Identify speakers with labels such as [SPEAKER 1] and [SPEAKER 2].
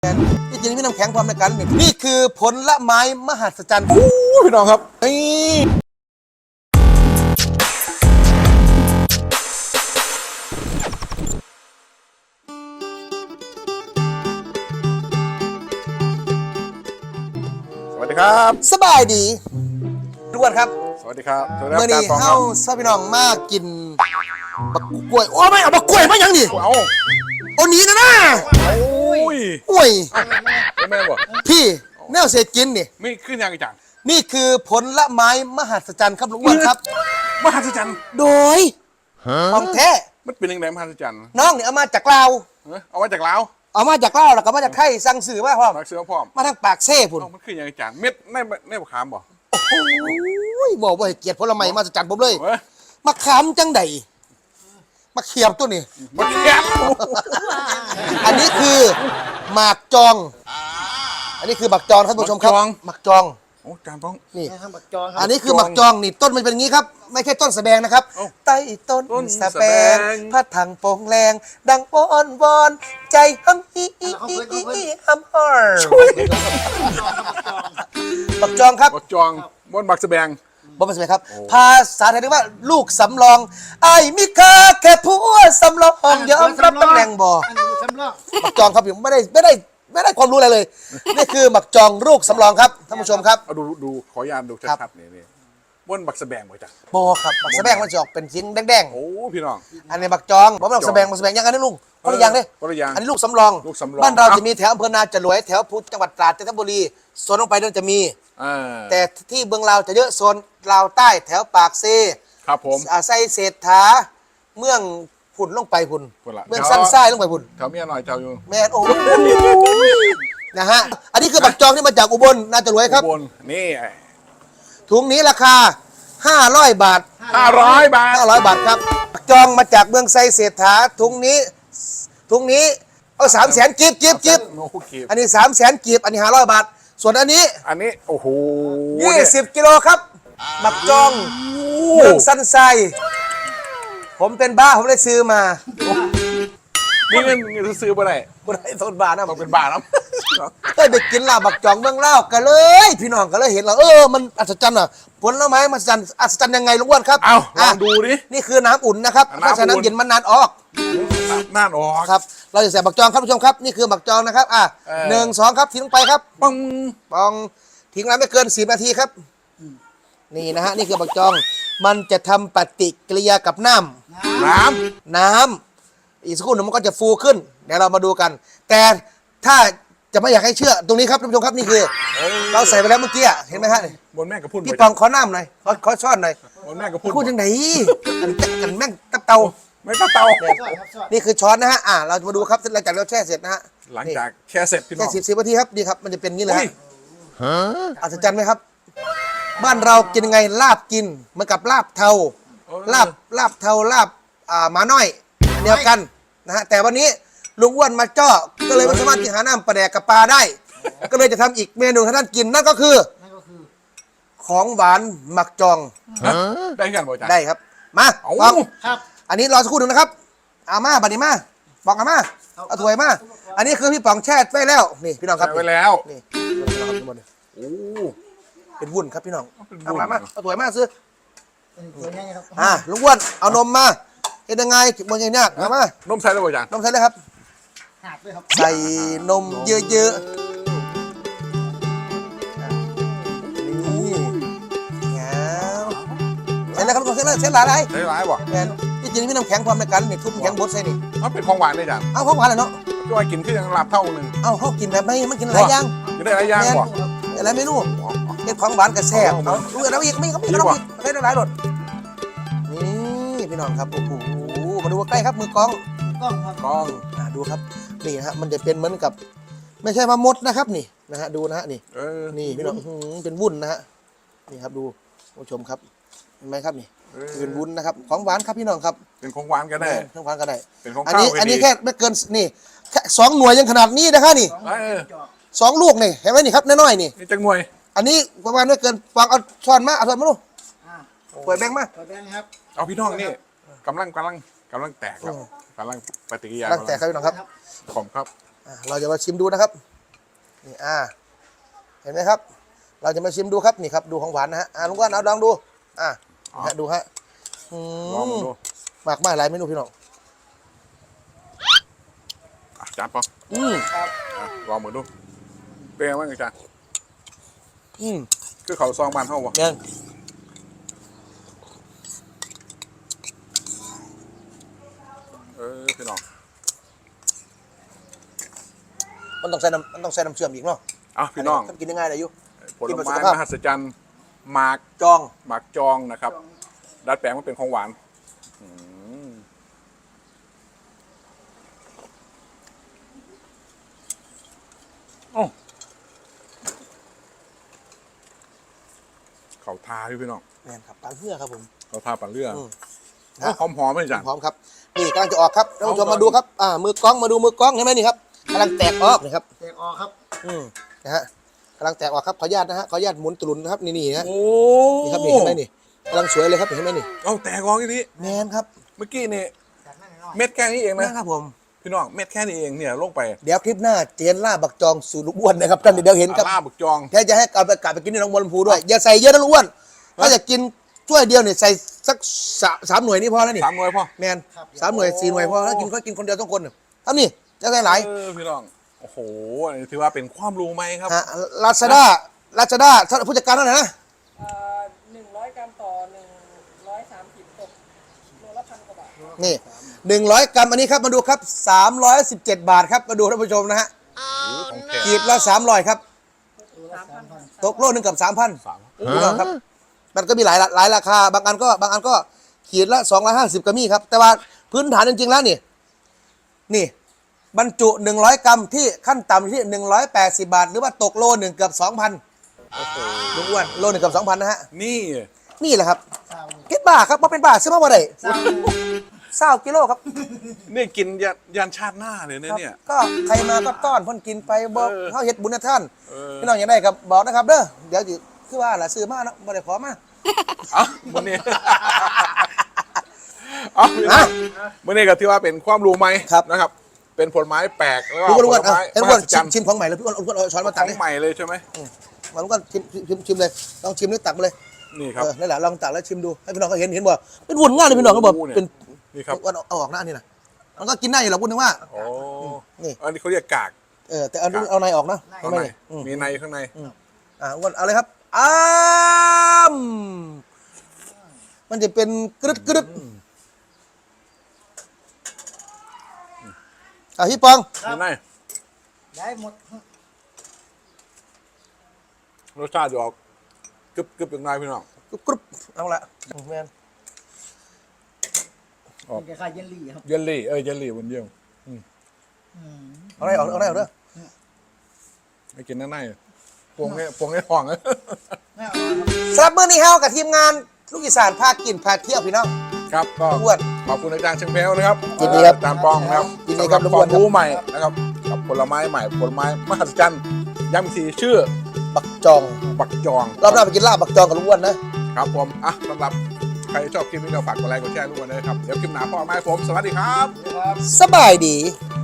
[SPEAKER 1] ที่จริงพี่น้ำแข็งความในกันนี่คือผลไม้มหัศจรรย์พี่น้องครับนี่
[SPEAKER 2] สวัสดีครับ
[SPEAKER 1] สบายดีทุกคนครับ
[SPEAKER 2] สวัสดีครับ
[SPEAKER 1] เมื่อนี้เฮาซาพี่น้องมากินบักกล้วยโอ้ไม่เอาบักกล้วยมายังดิ
[SPEAKER 2] เอา
[SPEAKER 1] โอ้หนีนะนะโอ้ย
[SPEAKER 2] แม่บอก
[SPEAKER 1] พี่แนวเศษกินนี่
[SPEAKER 2] ไม่ขึ้นยังจัง
[SPEAKER 1] นี่คือผลไม้มหัศจรรย์ครับลุงอ้วนครับ
[SPEAKER 2] มหัศจรรย์
[SPEAKER 1] โดยของแท้
[SPEAKER 2] มันเป็นยังไงมหัศจรรย์
[SPEAKER 1] น้องเนี่ยเอามาจากลาว
[SPEAKER 2] เอามาจากลาว
[SPEAKER 1] เอามาจากลาวแล้วก็มาจากไทยสั่งซื้อมาพร้อม
[SPEAKER 2] มาซื้อพร้อม
[SPEAKER 1] มาทางปากเซ่พุ่น
[SPEAKER 2] มันขึ้นยังจังเม็ดในมะขามบ่
[SPEAKER 1] โอ้ยบอกว่าเกียรติผลไม้มหัศจรรย์ผมเลยมะขามจังใดมะเขียบตัวนี้
[SPEAKER 2] มะเขียบ
[SPEAKER 1] อันนี้คือหมากจองอันนี้คือหมากจองท่านผู้ชมครับหมากจอง
[SPEAKER 2] โอ้จานต้อง
[SPEAKER 1] นี่อันนี้คือหมากจองนี่ต้นมันเป็นอย่างนี้ครับไม่ใช่ต้นสะแบงนะครับใต้ต้นสะแบงพัดถังโป่งแรงดังอ้อนวอนใจฮัมฮีฮัมฮาร์หมากจองครับ
[SPEAKER 2] หมากจองบนหมากสะแบง
[SPEAKER 1] บอกมาสิครับภาษาไทยเรียกว่าลูกสำรองไอ้มิค่าแค่ผัวสำรองยอมรับตำแหน่งบ่หมักจองครับผมไม่ได้ความรู้อะไรเลยนี่คือหมักจองลูกสำรองครับท่านผู้ชมครับ
[SPEAKER 2] เอาดูขอยานดูชัดๆนี่บนหมักสะแบงบ่จ้ะ
[SPEAKER 1] บ่ครับหมักสะแบงมันจะออกเป็นชิ้นแดง
[SPEAKER 2] ๆโอ้พี่น้อง
[SPEAKER 1] อันนี้หมักจองบ่หมักสะแบงยังกันนี่ลุงคนละอย่างเลยอันนี้ลูกสำรองบ้านเราจะมีแถวอำเภอนาจรวยแถวพุทธจังหวัดตราดจันทบุรีโซนลงไปนั่นจะมีแต่ที่เมืองเราจะเยอะโซนลาวใต้แถวปากเซ
[SPEAKER 2] ครับผม
[SPEAKER 1] ไส้เศรษฐาเมืองพุ่นลงไปพุ่นเมืองสั้นไส้ลงไปพุ่น
[SPEAKER 2] แถวเมียหน่อยแถวอยู่
[SPEAKER 1] แม่โอ้นะฮะอันนี้คือบักจองที่มาจากอุบลน่าจะรวยครับ
[SPEAKER 2] อุบลนี่
[SPEAKER 1] ถุงนี้ราคา500 บาท
[SPEAKER 2] 500 บาท
[SPEAKER 1] ครับบักจองมาจากเมืองไส้เศรษฐาถุงนี้เอา300,000กีบอันนี้300,000กีบอันนี้500 บาทส่วนอันนี้
[SPEAKER 2] โอ้โห
[SPEAKER 1] 20 กิโลครับบักจองเมืองสั้นไส้ผมเป็นบ้าผมเลยซื้อมา
[SPEAKER 2] นี่เงินซื้อมาได้
[SPEAKER 1] ต้นบาทนะ
[SPEAKER 2] ต้องเป็นบาทนะ
[SPEAKER 1] เคยไปกินลาบบักจองเมืองเล่ากันเลย พี่น้องก็เลยเห็นเรามันอัศจรรย์อ่ะผลไม้มันอัศจรรย์ยังไงลุงอ้วนครับ
[SPEAKER 2] เอาลองดูดิ
[SPEAKER 1] นี่คือน้ำอุ่นนะครับเพราะฉะนั้นเย็นมันนานออกครับเราจะใส่บักจองครับผู้ชมครับนี่คือบักจองนะครับ1 2ครับทิ้งลงไปครับปองทิ้งไว้ไม่เกิน10 นาทีครับนี่นะฮะนี่คือบักจองมันจะทำปฏิกิริยากับน้ำอีกสักครู่หนึ่งมันก็จะฟูขึ้นเดี๋ยวเรามาดูกันแต่ถ้าจะไม่อยากให้เชื่อตรงนี้ครับท่านผู้ชมครับนี่คือเราใส่ไปแล้วเมื่อกี้เห็นไหมฮะ
[SPEAKER 2] บนแม่กระพุ้น
[SPEAKER 1] พี่ปองขอน้ำหน่อยขอช้อนหน่อย
[SPEAKER 2] บนแม่กระพุ้น
[SPEAKER 1] พูดยังไงกันแม่งตับเตา
[SPEAKER 2] ไม่ตับเตา
[SPEAKER 1] นี่คือช้อนนะฮะเราจะมาดูครับหลังจากเราแช่เสร็จนะฮะ
[SPEAKER 2] หลังจากแช่เสร็จพี่น้อง
[SPEAKER 1] แช่10 นาทีครับดีครับมันจะเป็นงี้เลยอัศจรรย์ไหมครับบ้านเรากินยังไงลาบกินเหมือนกับลาบเทาลาบเทาลาบหมาน้อยเดียวกันนะฮะแต่วันนี้ลุงอ้วนมาเจาะก็เลยไม่สามารถกินหาน้ำปลาแดกกับปลาได้ก็เลยจะทำอีกเมนูให้ท่านกินนั่นก็คือของหวานหมักจอง
[SPEAKER 2] ได้กันบ่จ๊ะ
[SPEAKER 1] ได้ครับมาฟังครับอันนี้รอสักครู่หนึ่งนะครับเอามาบัดนี้มาบอกเอามาเอาถ้วยมาอันนี้คือพี่ป๋องแช่ไว้แล้วนี่พี่น้องครับ
[SPEAKER 2] ไว้แล้ว
[SPEAKER 1] นี่
[SPEAKER 2] โอ้
[SPEAKER 1] เป็นวุ้นครับพี่น้องเอามาเอาถ้วยมาซื้อลุงอ้วนเอานมมาเห็นยังไงมันยังยากเอามาน
[SPEAKER 2] มใส่แล้วบ่จ๊ะ
[SPEAKER 1] นมใส่เลยครับใส่นมเยอะๆนี่เสร็จแล้วครับเสร็จแล้วเสร็จหลาย
[SPEAKER 2] บ่
[SPEAKER 1] แมนที่จริงพี่น้ำแข็งความในการนี่ทุบน้ำแข็งบดใส่นี่
[SPEAKER 2] เป็นของหวานเลยจ้ะ
[SPEAKER 1] เอาของหวานเลยเนาะ
[SPEAKER 2] ก็ว่ากินขึ้นยังลาบเท่านึง
[SPEAKER 1] เขากินแบบไม่มันกินหลายอย่าง
[SPEAKER 2] กินได้หลายอย่างบ่
[SPEAKER 1] อะไรไม่รู้เป็นของหวานกระแซบดูแล้วอีกไม่เขาได้หลายรสนี่พี่น้องครับโอ้โหมาดูใกล้ครับมือกล้องดูครับนี่นะฮะมันจะเป็นเหมือนกับไม่ใช่มะมดนะครับนี่นะฮะดูนะฮะนี่นี่พี่น้องเป็นวุ้นนะฮะนี่ครับดูผู้ชมครับเห็นไหมครับนี่เป็นวุ้นนะครับของหวานครับพี่น้องครับ
[SPEAKER 2] เป็นของหวานก็ได้
[SPEAKER 1] ของหวานก็ได้
[SPEAKER 2] เป็นของ
[SPEAKER 1] ข้าวอันนี้แค่ไม่เกินนี่แค่2 หน่วยยังขนาดนี้นะครับนี่2 ลูกนี่เห็นไหมนี่ครับน้อยๆนี่
[SPEAKER 2] จังหน่วย
[SPEAKER 1] อันนี้ประมาณไม่เกินฟังเอาช้อนมาเอาช้อนมาดูเปิดแบงค์มา
[SPEAKER 2] ครับเอาพี่น้องนี่กำลังแตกครับกำลังปฏิกิริยา
[SPEAKER 1] แตกครับพี่น้องครับ
[SPEAKER 2] ผมครับ
[SPEAKER 1] เราจะมาชิมดูนะครับนี่เห็นไหมครับ เราจะมาชิมดูครับนี่ครับดูของหวานนะฮะลุงอ้วนเอาลองดูดูฮะ
[SPEAKER 2] ลองดู
[SPEAKER 1] มากหลายเมนูพี่น้อง
[SPEAKER 2] จานปองลองมือดูเป็นไงบ้างอาจารย์คือเขาซองบ้านเฮาวะ
[SPEAKER 1] เนี่ย
[SPEAKER 2] พี่น้อง
[SPEAKER 1] มันต้องใส่น้ำเชื่อมอีกเนาะ
[SPEAKER 2] พี่น้อง
[SPEAKER 1] กินยังไงเลยยุ
[SPEAKER 2] ผลไม้มหัศจรรย์หมาก
[SPEAKER 1] จอง
[SPEAKER 2] นะครับดัดแปลงมาเป็นของหวานเขาทาพี่น้อง
[SPEAKER 1] แม่นครับปลาเหือครับผม
[SPEAKER 2] เขาทาปั่นเรือ
[SPEAKER 1] หอม
[SPEAKER 2] หอมไหมอาจารย์
[SPEAKER 1] หอมครับนี่กำลังจะออกครับท่านผู้ชมมาดูครับมือกล้องมาดูมือกล้องเห็นไหมนี่ครับกำลังแตกออกนะครับ
[SPEAKER 3] แตกออกครับ
[SPEAKER 1] นะฮะกำลังแตกออกครับขออนุญาตนะฮะขออนุญาตหมุนตุลุนนะครับนี่นะ
[SPEAKER 2] โอ้
[SPEAKER 1] นี่ครับนี่เห็นไหมนี่กำลังสวยเลยครับเห็นไหมนี่
[SPEAKER 2] เอาแตกออกทีนี้
[SPEAKER 1] แมนครับ
[SPEAKER 2] เมื่อกี้นี่
[SPEAKER 3] จากนั้นหน่อย
[SPEAKER 2] เม็ดแค่นี้เอง
[SPEAKER 1] แม
[SPEAKER 2] นะ
[SPEAKER 1] นครับผม
[SPEAKER 2] พี่น้องเม็ดแค่นี้เองเนี่ยลงไป
[SPEAKER 1] เดี๋ยวคลิปหน้าเจนล่าบักจองสู่ลูกอ้วนนะครับท่านเดี๋ยวเห็นครับ
[SPEAKER 2] ลาบึกจอง
[SPEAKER 1] แค่จะให้กลับไปกินที่หนองบัวลำพูด้วยอย่าใส่เยอะนะลูกอ้วนถ้าจะกินถ้วยเดียวเนี่ยใส่สักสามหน่วยนี่พอแล้วนี่
[SPEAKER 2] 3 หน่วยพ่อ
[SPEAKER 1] แมน3 หน่วย 4 หน่วยพอแล้วกินคนเดียว2 คนทำนี่จะใส่หลาย
[SPEAKER 2] พี่น้องโอ้โหอันนี้ถือว่าเป็นความรู้ไหมครับ
[SPEAKER 1] ลาซาด้าผู้จัดการเท่าไหร่นะ
[SPEAKER 4] 100 กรัมต่อ 130ตกโลละ1,000 กว่าบาท
[SPEAKER 1] นี่100 กรัมอันนี้ครับมาดูครับ317 บาทครับมาดูท่านผู้ชมนะฮะ
[SPEAKER 2] ของแท้
[SPEAKER 1] ขีดละ300ครับ
[SPEAKER 4] 3,000
[SPEAKER 1] ตกโลนึงกับ 3,000ครับมันก็มีหลายราคาบางอันก็ขีดละ250ก็มีครับแต่ว่าพื้นฐานจริงๆแล้วนี่บรรจุ100 กรัมที่ขั้นต่ำที่180 บาทหรือว่าตกโลนึงเกือบ 2,000ลุงอ้วนโลนึงเกือบ 2,000นะฮะ
[SPEAKER 2] นี่
[SPEAKER 1] นี่แหละครับคิดบ้าครับว่าเป็นบ้าซื้อมาบ่ได้20 กิโลครับ
[SPEAKER 2] นี่กินยันชาติหน้าเลยนะเนี่ย
[SPEAKER 1] ก็ใครมาก็ต้อนเพ่นกินไปบอก
[SPEAKER 2] เออ
[SPEAKER 1] เขาเฮ็ดบุญนะท่าน
[SPEAKER 2] เ
[SPEAKER 1] พี่น้องอย่างไรครับบอกนะครับเด้อเดี๋ยวสิคือว่าล่ะซื้อมาเนาะบ่ได้ขอมา
[SPEAKER 2] มื่อนี้ เอาพี่น้องมื่อนี้ก็ถือว่าเป็นความรู้ไหมนะครับ เป็นผลไม้แปลกแล้วก็
[SPEAKER 1] ลุง
[SPEAKER 2] ผ
[SPEAKER 1] อ้วน
[SPEAKER 2] ลไม้
[SPEAKER 1] เห็น
[SPEAKER 2] ม
[SPEAKER 1] ว่า
[SPEAKER 2] หัศจรรย์
[SPEAKER 1] ชิมของใหม่เลยพี่อ้วนเอาช้อนมา
[SPEAKER 2] ข
[SPEAKER 1] ตัก
[SPEAKER 2] อง
[SPEAKER 1] เลย
[SPEAKER 2] ใหม่เลยใช่ไหม
[SPEAKER 1] มาลุงก็ชิมเลยลองชิมนี่ตักมาเลย
[SPEAKER 2] นี่ครับ
[SPEAKER 1] นั่นแหละลองตักแล้วชิมดูให้พี่น้องเขาเห็นบ่เป็นวุ่นง่ายเลยพี่น้องเขาบอก
[SPEAKER 2] โอ้โหเนี่ย
[SPEAKER 1] เป็น
[SPEAKER 2] นี่ครับ
[SPEAKER 1] อ้วนเอาออกหน้านี่นะมันก็กินได้อยู่หรอกพูดถึงว่า
[SPEAKER 2] โอ้
[SPEAKER 1] นี่
[SPEAKER 2] อันนี้เขาเรียกกาก
[SPEAKER 1] แต่เอาในออกนะ
[SPEAKER 2] ข้าง
[SPEAKER 1] ไม่
[SPEAKER 2] ใน
[SPEAKER 1] นี่อืม
[SPEAKER 2] มีในข้างใน
[SPEAKER 1] อ้วนเอาเลยครับมันจะเป็นกรึดพี่ปอง
[SPEAKER 2] มีใน
[SPEAKER 3] ได้หมด
[SPEAKER 2] รสชาติจะออกกรึบอย่างไรพี่น้อง
[SPEAKER 1] กรุบเอาละแมน
[SPEAKER 3] เป็นคล้ายๆเยลลี่ครับ
[SPEAKER 2] เยลลี่เยลลี่วันเดียว
[SPEAKER 1] เอาได้ออกเด้อ
[SPEAKER 2] ให้กินในปวงให้ห่อง
[SPEAKER 3] ไม่เอาครับ
[SPEAKER 1] สำหรับมื้อนี้เฮากับทีมงานลูกอีสานพากินพาเที่ยวพี่น้อง
[SPEAKER 2] ครับก็
[SPEAKER 1] อ้วน
[SPEAKER 2] ขอบคุณอาจารย์เชียงแพรวนะครับ
[SPEAKER 1] ยินดีครับ
[SPEAKER 2] อาจารย์ปองนะครับ
[SPEAKER 1] ยินดีครับ
[SPEAKER 2] สำหความรู้ใหม่นะครับกับผลไม้ใหม่ผลไม้มหัศจรรย์ย้ำอีกทีชื่อ
[SPEAKER 1] บักจอง
[SPEAKER 2] บักจอง
[SPEAKER 1] รอบหน้าไปกินลาบบักจองกับลุงอ้วนนะครับ
[SPEAKER 2] ผมสำหรับใครชอบคลิปนี้ก็ฝากกดไลค์กดแชร์ทุกคนเลยครับเดี๋ยวคลิปหน้าพ่อไม้ผมสวัสดีครับ
[SPEAKER 1] สบายดี
[SPEAKER 2] ค